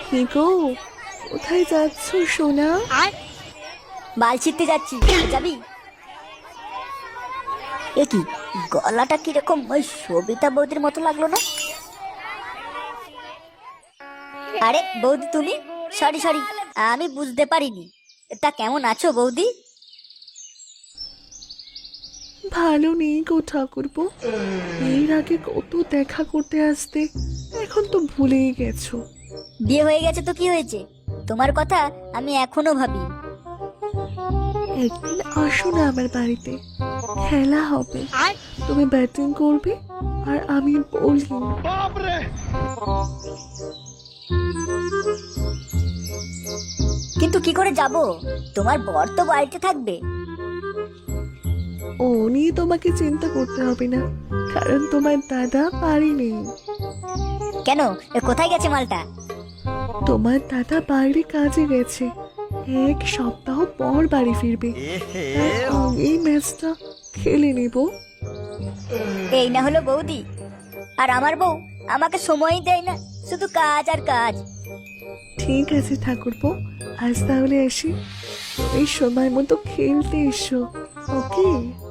হে গো, কোথায় যাচ্ছ সোনা? বাল ছিটতে যাচ্ছি, যাবি? এ কি, গলাটা কিরকম ওই সবিতা বৌদির মতো লাগলো না? আরে বৌদি তুমি? সরি সরি, আমি বুঝতে পারিনি। তা কেমন আছো বৌদি? ভালো নেই গো ঠাকুরপো। এর আগে কত দেখা করতে আসতে, এখন তো ভুলেই গেছো। বিয়ে হয়ে গেছে তো কি হয়েছে? তোমার কথা আমি এখনো ভাবি। একদিন আসো না আমার বাড়িতে, খেলা হবে। তুমি ব্যাটিং করবে আর আমি বোলিং। কিন্তু কি করে যাব? তোমার বর তো বাড়িতে থাকবে। ও নিয়ে তোমাকে চিন্তা করতে হবে না, কারণ তোমার দাদা বাড়ি নেই। কেন, কোথায় গেছে মালটা? তোমার দাদা বাইরে কাজে গেছে, 1 সপ্তাহ পর বাড়ি ফিরবে। এই ম্যাচটা খেলে নেব। এই না হলো বৌদি, আর আমার বউ আমাকে সময়ই দেয় না, শুধু কাজ আর কাজ। ঠিক আছে ঠাকুরপো, আজ তাহলে আসি। এই সময় মতো খেলতে এসো, ওকে?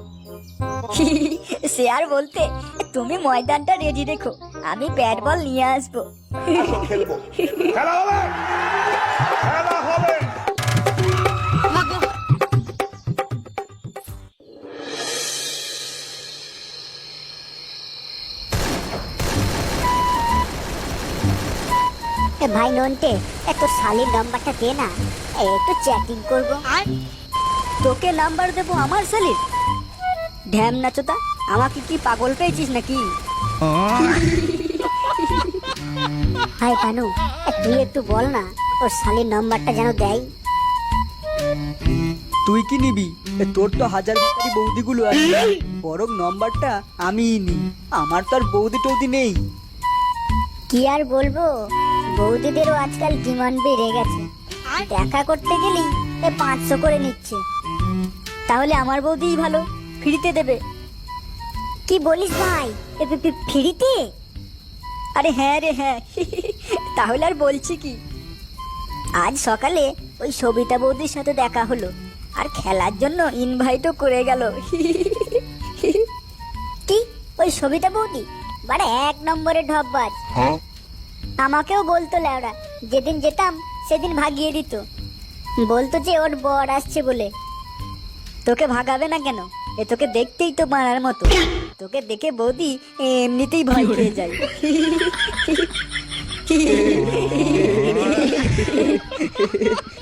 সে আর বলতে, তুমি ময়দানটা রেডি রেখো, আমি ব্যাট বল নিয়ে আসবো। খেলবো, খেলা হবে, খেলা হবে। ভাই নন্টে, এত শালির নাম্বারটা দে না, একটু চ্যাটিং করব। তোকে নাম্বার দেবো আমার শালির? ঢ্যাম নাচোতা, আমাকে কি পাগল পেয়েছিস নাকি? হাই কানু, তুই একটু বল না ওর শালির নাম্বারটা যেন দেয়। তুই কি নিবি? তোর তো হাজার বাড়ি বৌদিগুলো আছে, বরং নম্বরটা আমিই নি। আমার তো আর বৌদি টৌদি নেই। কি আর বলবো, বৌদিদেরও আজকাল ডিমান্ড বেড়ে গেছে। দেখা করতে গেলেই 500 করে নিচ্ছে। তাহলে আমার বৌদিই ভালো, ফ্রিতে দেবে। কি বলিস ভাই, ফ্রিতে? আরে হ্যাঁ রে হ্যাঁ। তাহলে আর বলছি কি, আজ সকালে ওই সবিতা বৌদির সাথে দেখা হলো, আর খেলার জন্য ইনভাইটও করে গেল। কি, ওই সবিতা বৌদি মানে 1 নম্বরের ঢপবাজ। আমাকেও বলতো ল্যাওড়া, যেদিন যেতাম সেদিন ভাগিয়ে দিত, বলতো যে ওর বর আসছে বলে। তোকে ভাগাবে না কেন? তোকে দেখতেই তো মারার মতো, তোকে দেখে বৌদি এমনিতেই ভয় পেয়ে যায়।